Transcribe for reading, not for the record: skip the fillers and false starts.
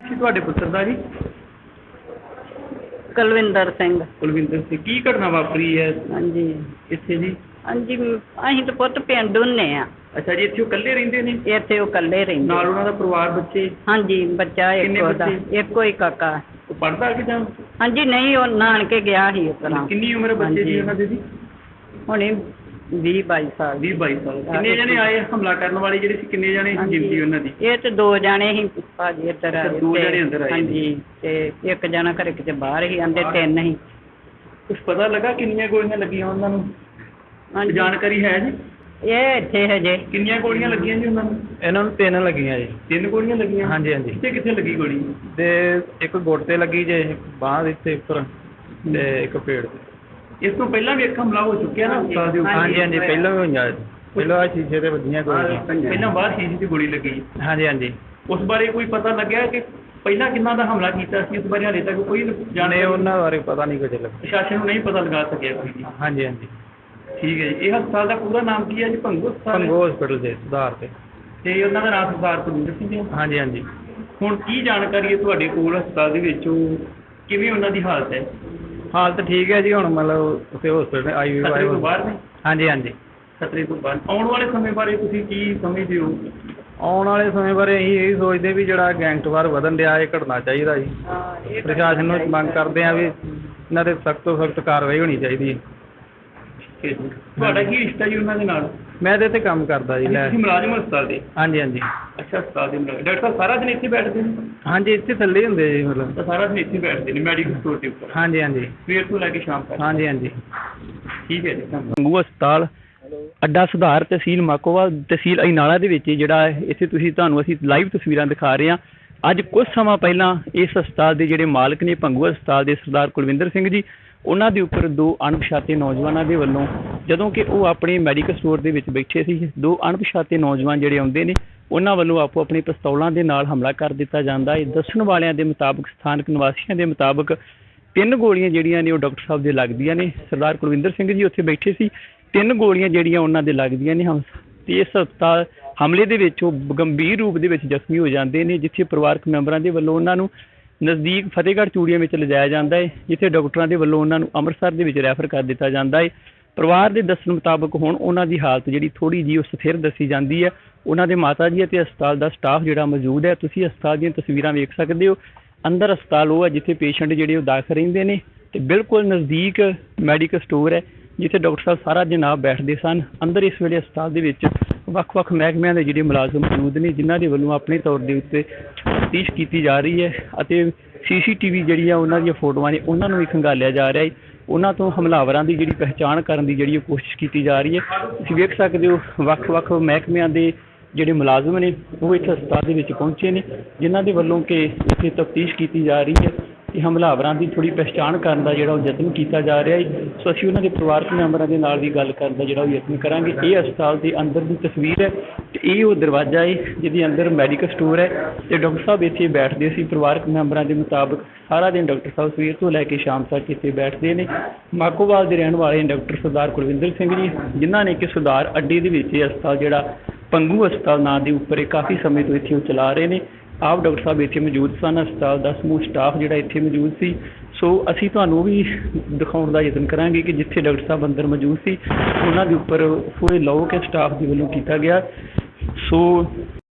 ਜੀ ਤੁਹਾਡੇ ਪੁੱਤਰ ਦਾ ਜੀ? ਕੁਲਵਿੰਦਰ ਸਿੰਘ। ਕੁਲਵਿੰਦਰ ਸਿੰਘ, ਕੀ ਘਟਨਾ ਵਾਪਰੀ ਹੈ ਹਾਂਜੀ ਇੱਥੇ ਜੀ? ਹਾਂਜੀ ਅਸੀਂ ਤਾਂ ਪੁੱਤ ਪਿੰਡ ਹੁੰਦੇ ਆ। ਅੱਛਾ ਜੀ, ਇੱਥੇ ਉਹ ਇਕੱਲੇ ਰਹਿੰਦੇ ਨੇ? ਇੱਥੇ ਉਹ ਇਕੱਲੇ ਰਹਿੰਦੇ। ਨਾਲ ਉਹਨਾਂ ਦਾ ਪਰਿਵਾਰ, ਬੱਚੇ? ਹਾਂਜੀ ਬੱਚਾ ਕਿੰਨੇ ਇੱਕ ਉਹਦਾ, ਬੱਚੇ? ਇੱਕੋ ਹੀ ਕਾਕਾ। ਉਹ ਪੜ੍ਹਦਾ ਕਿ ਜਾਂ? ਹਾਂਜੀ ਨਹੀਂ, ਉਹ ਨਾਨਕੇ ਗਿਆ ਸੀ ਉਸ ਤਰ੍ਹਾਂ। ਕਿੰਨੀ ਉਮਰ ਹੈ ਬੱਚੇ ਦੀ ਉਹਨਾਂ ਦੀ ਜੀ? ਹੁਣੇ 20-22 ਸਾਲ। 20-22 ਸਾਲ। ਕਿੰਨੇ ਜਣੇ ਆਏ ਹਮਲਾ ਕਰਨ ਵਾਲੇ ਜਿਹੜੇ ਸੀ? ਕਿੰਨੇ ਜਣੇ ਗਿਣਤੀ ਉਹਨਾਂ ਦੀ? ਇਹ ਤੇ 2 ਜਣੇ ਸੀ ਭਾਜੀ ਇੱਧਰ ਆਏ। 2 ਜਣੇ ਅੰਦਰ ਆਏ? ਹਾਂਜੀ, ਤੇ ਇੱਕ ਜਣਾ ਘਰੇ ਕਿਤੇ ਬਾਹਰ ਸੀ, ਆਂਦੇ 3 ਸੀ। ਕੁਛ ਪਤਾ ਲੱਗਾ ਕਿੰਨੀਆਂ ਗੋਲੀਆਂ ਲੱਗੀਆਂ ਉਹਨਾਂ ਨੂੰ? ਹਾਂਜੀ ਜਾਣਕਾਰੀ ਹੈ ਜੀ? ਇਹ ਇੱਥੇ ਹਜੇ। ਕਿੰਨੀਆਂ ਗੋਲੀਆਂ ਲੱਗੀਆਂ ਜੀ ਉਹਨਾਂ ਨੂੰ? ਇਹਨਾਂ ਨੂੰ 3 ਲੱਗੀਆਂ ਜੀ। 3 ਗੋਲੀਆਂ ਲੱਗੀਆਂ? ਹਾਂਜੀ ਹਾਂਜੀ। ਕਿੱਥੇ ਕਿੱਥੇ ਲੱਗੀ ਗੋਲੀ? ਤੇ ਇੱਕ ਗੁੱਟ ਤੇ ਲੱਗੀ ਜੇ, ਬਾਂਹ ਦੇ ਉੱਤੇ ਉੱਪਰ, ਤੇ ਇੱਕ ਪੇੜ ਤੇ। ਇਸ ਤੋਂ ਪਹਿਲਾਂ ਵੀ ਇੱਕ ਹਮਲਾ ਹੋ ਚੁੱਕਿਆ ਨਾ ਹਸਪਤਾਲ ਦੇ ਉੱਪਰ? ਹਾਂਜੀ ਹਾਂਜੀ, ਪਹਿਲਾਂ ਵੀ ਹੋਈਆਂ। ਪਹਿਲਾਂ ਆਹ ਸ਼ੀਸ਼ੇ ਤੇ ਵੱਜੀਆਂ ਗੋਲੀਆਂ। ਪਹਿਲਾਂ ਬਾਹਰ ਸ਼ੀਸ਼ੇ 'ਚ ਗੋਲੀ ਲੱਗੀ। ਹਾਂਜੀ ਹਾਂਜੀ। ਉਸ ਬਾਰੇ ਕੋਈ ਪਤਾ ਲੱਗਿਆ ਕਿ ਪਹਿਲਾਂ ਕਿੰਨਾ ਦਾ ਹਮਲਾ ਕੀਤਾ ਸੀ? ਉਸ ਬਾਰੇ ਹਾਲੇ ਤੱਕ ਕੋਈ ਜਾਣੇ ਜਾਣਕਾਰੀ? ਉਹਨਾਂ ਬਾਰੇ ਪਤਾ ਨਹੀਂ ਕੁਝ ਲੱਗਾ। ਪ੍ਰਸ਼ਾਸਨ ਨੂੰ ਨਹੀਂ ਪਤਾ ਲਗਾ ਸਕਿਆ ਕੋਈ ਵੀ? ਹਾਂਜੀ ਹਾਂਜੀ। ਠੀਕ ਹੈ ਜੀ। ਇਹ ਹਸਪਤਾਲ ਦਾ ਪੂਰਾ ਨਾਮ ਕੀ ਹੈ ਜੀ? ਭੰਗੂ ਹਸਪਤਾਲ? ਭੰਗੂ ਹਸਪੀਟਲ ਦੇ ਸੁਧਾਰ ਤੇ। ਤੇ ਉਹਨਾਂ ਦਾ ਨਾਮ ਸਰਦਾਰ ਕੁਲਵਿੰਦਰ ਸਿੰਘ ਜੀ? ਹਾਂਜੀ ਹਾਂਜੀ। ਹੁਣ ਕੀ ਜਾਣਕਾਰੀ ਹੈ ਤੁਹਾਡੇ ਕੋਲ ਹਸਪਤਾਲ ਦੇ ਵਿੱਚ? ਉਹ ਕਿਵੇਂ ਉਹਨਾਂ ਦੀ ਹਾਲਤ ਹੈ? ਹਾਲਤ ਠੀਕ ਹੈ ਜੀ ਹੁਣ, ਮਤਲਬ ਉੱਥੇ ਹਸਪੀਟਲ ਆਈ ਖਤਰੇ ਤੋਂ ਬਾਹਰ ਨੇ? ਹਾਂਜੀ ਹਾਂਜੀ। ਖਤਰੇ ਤੋਂ ਬਾਹਰ। ਆਉਣ ਵਾਲੇ ਸਮੇਂ ਬਾਰੇ ਤੁਸੀਂ ਕੀ ਸਮਝਦੇ ਹੋ? ਆਉਣ ਵਾਲੇ ਸਮੇਂ ਬਾਰੇ ਅਸੀਂ ਇਹ ਸੋਚਦੇ ਵੀ ਜਿਹੜਾ ਗੈਂਗਸਟਰ ਵਧਣ ਡਿਆ, ਇਹ ਘਟਣਾ ਚਾਹੀਦਾ ਜੀ। ਪ੍ਰਸ਼ਾਸਨ ਨੂੰ ਮੰਗ ਕਰਦੇ ਆ ਵੀ ਇਹਨਾਂ 'ਤੇ ਸਖਤ ਤੋਂ ਸਖਤ ਕਾਰਵਾਈ ਹੋਣੀ ਚਾਹੀਦੀ ਹੈ। ਠੀਕ ਹੈ ਜੀ। ਤੁਹਾਡਾ ਕੀ ਰਿਸ਼ਤਾ ਜੀ ਉਹਨਾਂ ਦੇ ਨਾਲ? ਮੈਂ ਇਹਦੇ 'ਤੇ ਕੰਮ ਕਰਦਾ ਜੀ। ਲੈ ਤੁਸੀਂ ਮੁਲਾਜ਼ਮ ਹੋ ਹਸਪਤਾਲ ਦੇ? ਹਾਂਜੀ ਹਾਂਜੀ। ਅੱਛਾ, ਹਸਪਤਾਲ ਦੇ ਮੁਲਾਜ਼ਮ। ਡਾਕਟਰ ਸਾਹਿਬ ਸਾਰਾ ਦਿਨ ਇੱਥੇ ਬੈਠਦੇ ਨੇ? ਹਾਂਜੀ, ਇੱਥੇ ਥੱਲੇ ਹੀ ਹੁੰਦੇ ਜੀ ਮਤਲਬ। ਤਾਂ ਸਾਰਾ ਦਿਨ ਇੱਥੇ ਬੈਠਦੇ ਨੇ ਮੈਡੀਕਲ ਸਟੋਰ ਦੇ ਉੱਪਰ? ਹਾਂਜੀ ਹਾਂਜੀ। ਸਵੇਰ ਤੋਂ ਲੈ ਕੇ ਸ਼ਾਮ ਤੱਕ? ਹਾਂਜੀ ਹਾਂਜੀ। ਠੀਕ ਹੈ ਜੀ, ਧੰਨਵਾਦ। ਭੰਗੂ ਹਸਪਤਾਲ ਅੱਡਾ ਸੁਧਾਰ, ਤਹਿਸੀਲ ਮਾਕੋਵਾਲ, ਤਹਿਸੀਲ ਅਜਨਾਲਾ ਦੇ ਵਿੱਚ ਜਿਹੜਾ ਇੱਥੇ ਤੁਹਾਨੂੰ ਅਸੀਂ ਲਾਈਵ ਤਸਵੀਰਾਂ ਦਿਖਾ ਰਹੇ ਹਾਂ। ਅੱਜ ਕੁਝ ਸਮਾਂ ਪਹਿਲਾਂ ਇਸ ਹਸਪਤਾਲ ਦੇ ਜਿਹੜੇ ਮਾਲਕ ਨੇ, ਭੰਗੂ ਹਸਪਤਾਲ ਦੇ ਸਰਦਾਰ ਕੁਲਵਿੰਦਰ ਸਿੰਘ ਜੀ, ਉਹਨਾਂ ਦੇ ਉੱਪਰ 2 ਅਣਪਛਾਤੇ ਨੌਜਵਾਨਾਂ ਦੇ ਵੱਲੋਂ, ਜਦੋਂ ਕਿ ਉਹ ਆਪਣੇ ਮੈਡੀਕਲ ਸਟੋਰ ਦੇ ਵਿੱਚ ਬੈਠੇ ਸੀ, 2 ਅਣਪਛਾਤੇ ਨੌਜਵਾਨ ਜਿਹੜੇ ਆਉਂਦੇ ਨੇ, ਉਹਨਾਂ ਵੱਲੋਂ ਆਪੋ ਆਪਣੀ ਪਿਸਤੌਲਾਂ ਦੇ ਨਾਲ ਹਮਲਾ ਕਰ ਦਿੱਤਾ ਜਾਂਦਾ ਹੈ। ਦੱਸਣ ਵਾਲਿਆਂ ਦੇ ਮੁਤਾਬਕ, ਸਥਾਨਕ ਨਿਵਾਸੀਆਂ ਦੇ ਮੁਤਾਬਕ 3 ਗੋਲੀਆਂ ਜਿਹੜੀਆਂ ਨੇ ਉਹ ਡਾਕਟਰ ਸਾਹਿਬ ਦੇ ਲੱਗਦੀਆਂ ਨੇ। ਸਰਦਾਰ ਕੁਲਵਿੰਦਰ ਸਿੰਘ ਜੀ ਉੱਥੇ ਬੈਠੇ ਸੀ, 3 ਗੋਲੀਆਂ ਜਿਹੜੀਆਂ ਉਹਨਾਂ ਦੇ ਲੱਗਦੀਆਂ ਨੇ। ਤੇ ਇਸ ਹਸਪਤਾਲ ਹਮਲੇ ਦੇ ਵਿੱਚ ਉਹ ਗੰਭੀਰ ਰੂਪ ਦੇ ਵਿੱਚ ਜ਼ਖਮੀ ਹੋ ਜਾਂਦੇ ਨੇ, ਜਿੱਥੇ ਪਰਿਵਾਰਕ ਮੈਂਬਰਾਂ ਦੇ ਵੱਲੋਂ ਉਹਨਾਂ ਨੂੰ ਨਜ਼ਦੀਕ ਫਤਿਹਗੜ੍ਹ ਚੂੜੀਆਂ ਵਿੱਚ ਲਿਜਾਇਆ ਜਾਂਦਾ ਹੈ, ਜਿੱਥੇ ਡਾਕਟਰਾਂ ਦੇ ਵੱਲੋਂ ਉਹਨਾਂ ਨੂੰ ਅੰਮ੍ਰਿਤਸਰ ਦੇ ਵਿੱਚ ਰੈਫਰ ਕਰ ਦਿੱਤਾ ਜਾਂਦਾ ਹੈ। ਪਰਿਵਾਰ ਦੇ ਦੱਸਣ ਮੁਤਾਬਕ ਹੁਣ ਉਹਨਾਂ ਦੀ ਹਾਲਤ ਜਿਹੜੀ ਥੋੜ੍ਹੀ ਜਿਹੀ ਉਹ ਸਥਿਰ ਦੱਸੀ ਜਾਂਦੀ ਹੈ। ਉਹਨਾਂ ਦੇ ਮਾਤਾ ਜੀ ਅਤੇ ਹਸਪਤਾਲ ਦਾ ਸਟਾਫ ਜਿਹੜਾ ਮੌਜੂਦ ਹੈ, ਤੁਸੀਂ ਹਸਪਤਾਲ ਦੀਆਂ ਤਸਵੀਰਾਂ ਵੇਖ ਸਕਦੇ ਹੋ। ਅੰਦਰ ਹਸਪਤਾਲ ਉਹ ਹੈ ਜਿੱਥੇ ਪੇਸ਼ੈਂਟ ਜਿਹੜੇ ਉਹ ਦਾਖਲ ਰਹਿੰਦੇ ਨੇ, ਤੇ ਬਿਲਕੁਲ ਨਜ਼ਦੀਕ ਮੈਡੀਕਲ ਸਟੋਰ ਹੈ ਜਿੱਥੇ ਡਾਕਟਰ ਸਾਹਿਬ ਸਾਰਾ ਦਿਨ ਆਪ ਬੈਠਦੇ ਸਨ। ਅੰਦਰ ਇਸ ਵੇਲੇ ਹਸਪਤਾਲ ਦੇ ਵਿੱਚ ਵੱਖ-ਵੱਖ ਮਹਿਕਮਿਆਂ ਦੇ ਜਿਹੜੇ ਮੁਲਾਜ਼ਮ ਮੌਜੂਦ ਨੇ, ਜਿਨ੍ਹਾਂ ਦੇ ਵੱਲੋਂ ਆਪਣੇ ਤੌਰ ਦੇ ਉੱਤੇ ਤਫਤੀਸ਼ ਕੀਤੀ ਜਾ ਰਹੀ ਹੈ, ਅਤੇ CCTV ਜਿਹੜੀ ਆ ਉਹਨਾਂ ਦੀਆਂ ਫੋਟੋਆਂ ਨੇ ਉਹਨਾਂ ਨੂੰ ਵੀ ਖੰਗਾਲਿਆ ਜਾ ਰਿਹਾ ਹੈ। ਉਹਨਾਂ ਤੋਂ ਹਮਲਾਵਰਾਂ ਦੀ ਜਿਹੜੀ ਪਹਿਚਾਣ ਕਰਨ ਦੀ ਜਿਹੜੀ ਉਹ ਕੋਸ਼ਿਸ਼ ਕੀਤੀ ਜਾ ਰਹੀ ਹੈ। ਤੁਸੀਂ ਵੇਖ ਸਕਦੇ ਹੋ ਵੱਖ-ਵੱਖ ਮਹਿਕਮਿਆਂ ਦੇ ਜਿਹੜੇ ਮੁਲਾਜ਼ਮ ਨੇ ਉਹ ਇੱਥੇ ਹਸਪਤਾਲ ਦੇ ਵਿੱਚ ਪਹੁੰਚੇ ਨੇ, ਜਿਨ੍ਹਾਂ ਦੇ ਵੱਲੋਂ ਕਿ ਇੱਥੇ ਤਫਤੀਸ਼ ਕੀਤੀ ਜਾ ਰਹੀ ਹੈ ਤੇ ਹਮਲਾਵਰਾਂ ਦੀ ਥੋੜ੍ਹੀ ਪਹਿਚਾਣ ਕਰਨ ਦਾ ਜਿਹੜਾ ਉਹ ਯਤਨ ਕੀਤਾ ਜਾ ਰਿਹਾ ਹੈ। ਸੋ ਅਸੀਂ ਉਹਨਾਂ ਦੇ ਪਰਿਵਾਰਕ ਮੈਂਬਰਾਂ ਦੇ ਨਾਲ ਵੀ ਗੱਲ ਕਰਨ ਦਾ ਜਿਹੜਾ ਉਹ ਯਤਨ ਕਰਾਂਗੇ। ਇਹ ਹਸਪਤਾਲ ਦੇ ਅੰਦਰ ਦੀ ਤਸਵੀਰ ਹੈ ਤੇ ਇਹ ਉਹ ਦਰਵਾਜ਼ਾ ਹੈ ਜਿਹਦੇ ਅੰਦਰ ਮੈਡੀਕਲ ਸਟੋਰ ਹੈ, ਤੇ ਡਾਕਟਰ ਸਾਹਿਬ ਇੱਥੇ ਬੈਠਦੇ ਸੀ। ਪਰਿਵਾਰਕ ਮੈਂਬਰਾਂ ਦੇ ਮੁਤਾਬਕ ਸਾਰਾ ਦਿਨ ਡਾਕਟਰ ਸਾਹਿਬ ਸਵੇਰ ਤੋਂ ਲੈ ਕੇ ਸ਼ਾਮ ਤੱਕ ਇੱਥੇ ਬੈਠਦੇ ਨੇ। ਮਾਕੋਵਾਲ ਦੇ ਰਹਿਣ ਵਾਲੇ ਡਾਕਟਰ ਸਰਦਾਰ ਕੁਲਵਿੰਦਰ ਸਿੰਘ ਜੀ, ਜਿਨ੍ਹਾਂ ਨੇ ਕਿ ਸੁਧਾਰ ਅੱਡੇ ਦੇ ਵਿੱਚ ਇਹ ਹਸਪਤਾਲ ਜਿਹੜਾ ਭੰਗੂ ਹਸਪਤਾਲ ਨਾਂ ਦੇ ਉੱਪਰ ਇਹ ਕਾਫੀ ਸਮੇਂ ਤੋਂ ਇੱਥੇ ਉਹ ਚਲਾ ਰਹੇ ਨੇ। ਆਪ ਡਾਕਟਰ ਸਾਹਿਬ ਇੱਥੇ ਮੌਜੂਦ ਸਨ, ਹਸਪਤਾਲ ਦਾ ਸਮੂਹ ਸਟਾਫ ਜਿਹੜਾ ਇੱਥੇ ਮੌਜੂਦ ਸੀ। ਸੋ ਅਸੀਂ ਤੁਹਾਨੂੰ ਵੀ ਦਿਖਾਉਣ ਦਾ ਯਤਨ ਕਰਾਂਗੇ ਕਿ ਜਿੱਥੇ ਡਾਕਟਰ ਸਾਹਿਬ ਅੰਦਰ ਮੌਜੂਦ ਸੀ, ਉਹਨਾਂ ਦੇ ਉੱਪਰ ਪੂਰੇ ਲੋਕ ਸਟਾਫ ਦੇ ਵੱਲੋਂ ਕੀਤਾ ਗਿਆ। ਸੋ